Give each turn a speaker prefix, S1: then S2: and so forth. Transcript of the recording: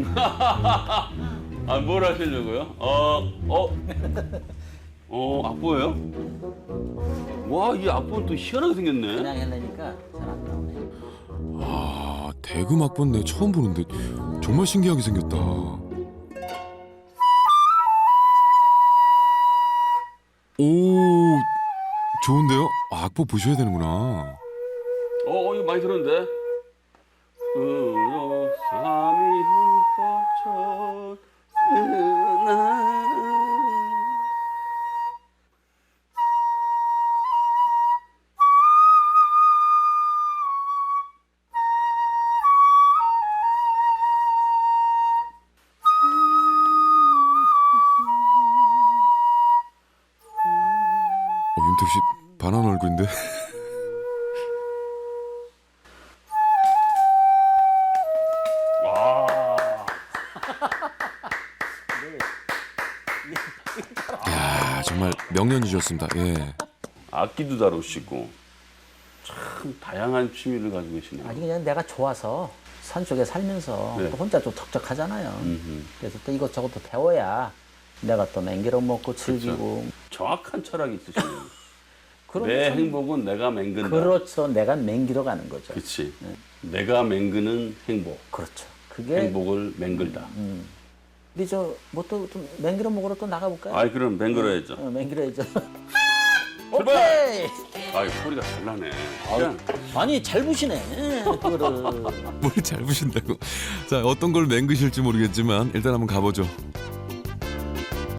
S1: 아, 뭘 하시려고요? 악보예요? 와, 이 악보는 또 희한하게 생겼네.
S2: 그냥 하려니까 잘 안 나오네.
S3: 아, 대금 악보는 내 처음 보는데 정말 신기하게 생겼다. 오, 좋은데요? 아, 악보 보셔야 되는구나.
S1: 이거 많이 들었는데? 삼이 흠뻑 젖으나
S3: 윤택 씨 반한 얼굴인데? 야, 정말 명년이셨습니다. 예.
S1: 악기도 다루시고 참 다양한 취미를 가지고 계시네요.
S2: 아니 그냥 내가 좋아서 산 쪽에 살면서
S1: 네.
S2: 또 혼자 좀 덕적하잖아요.
S1: 음흠.
S2: 그래서 또 이것저것 또 배워야 내가 또 맹기로 먹고 즐기고.
S1: 정확한 철학이 있으시네요.
S2: 그런
S1: 내
S2: 참-
S1: 행복은 내가 맹근다.
S2: 그렇죠. 내가 맹기로 가는 거죠.
S1: 그렇지. 내가 맹그는 행복.
S2: 그렇죠. 그게
S1: 행복을 맹글다.
S2: 우리 저 뭐 또 좀 맹기로 먹으러 또 나가볼까요?
S1: 아이, 그럼 맹글어야죠.
S2: 맹기로 해죠.
S1: 출발!
S2: 오케이.
S1: 아이, 소리가 잘 나네. 그냥
S2: 아니 잘 부시네. 그거를.
S3: 뭘 잘 보신다고. 자, 어떤 걸 맹그실지 모르겠지만 일단 한번 가보죠.